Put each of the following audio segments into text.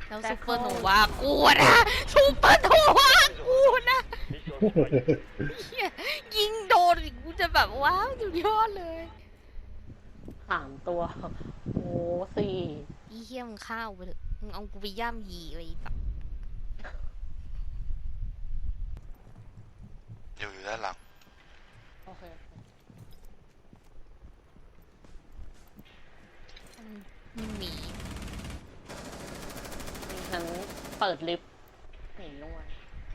แล้วซูเปอร์โนวากูนะซูเปอร์โนวากูนะยิงโดนกูจะแบบว้าวสุดยอดเลย 3 ตัวโอ้4 อีเหี้ยมึงข้าวไปเถอะมึงเอากูไปย่ำยีไปแบบอยู่ด้านหลังโอเคไม่มีฉันเปิดลิฟต์หนีลงมา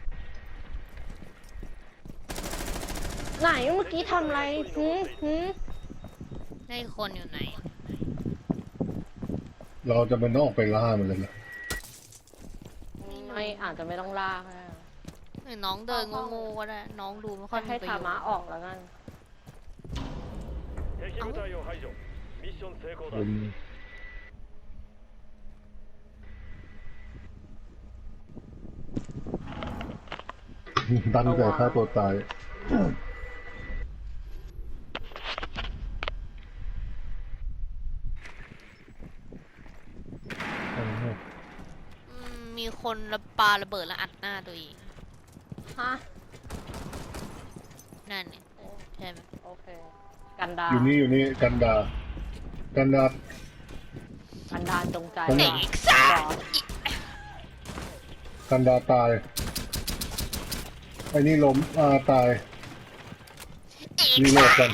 ไหนเมื่อกี้ทำอะไรในคนอยู่ไหนเราจะมันต้องออกไปล่ามันเลยนะไม่อาจจะไม่ต้องลากนะหรือน้องเดินโง่ๆก็ได้น้องดูไม่ค่อยมีให้ประโยธาชน์มะออกแล้วกันตั้งใจฆ่าตัวตายมีคนปาระเบิดแล้วอัดหน้าตัวเองฮะนั่นเนี่ยใช่ไหมโอเคกันดาอยู่นี่กันดากันดาจงใจเด็กซ่ากันดาตายไอ้นี่ล้มตายรีโหลดกัน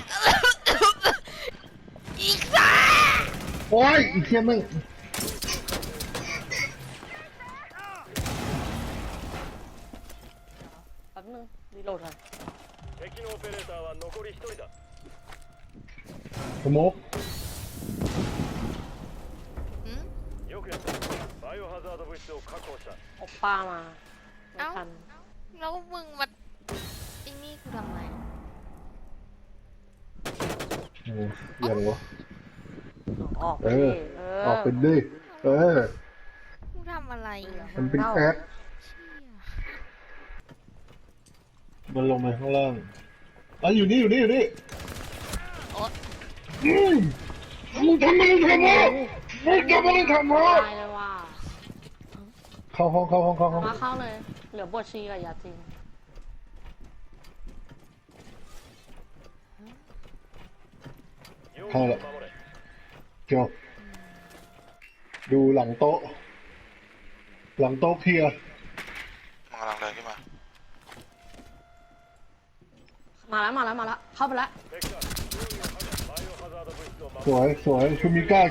อีกซ่าโอ้ยอีกเทียมึงแป๊บนึงรีโหลดก่อนสโมกโอป้ามาไม่ทันแล้วมึงมาไอ้นี่กูทำไมโอ้เหี้ยอะไรวะออกไปออกเป็นดิกูทำอะไรมันเป็นแอดมันลงมาข้างล่างอยู่นี่โอ๊ยมึงทำอะไรตายเลยว่ะเข้าห้องมาเข้าเลยเหลือบทชีกับยาจริงเข้าละจบดูหลังโต๊ะเคลียร์มันกำลังเดินขึ้นมาแล้วเข้าไปแล้วสวยชูมิก้า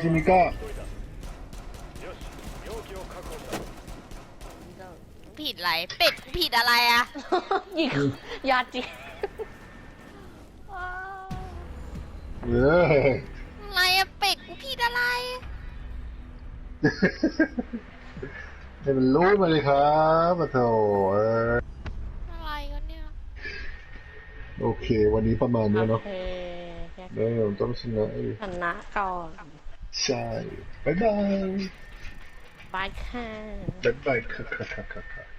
ผิดอะไรเป็ดผิดอะไรอะยิงยาจีอะไรอะเป็ดกูผิดอะไรให้มันรู้มาเลยครับมาโถอะไรกันเนี่ยโอเควันนี้ประมาณนี้เนาะเดี๋ยวเราต้องชนะก่อนใช่บ๊ายบายบายค่ะบ๊ายบายค่ะ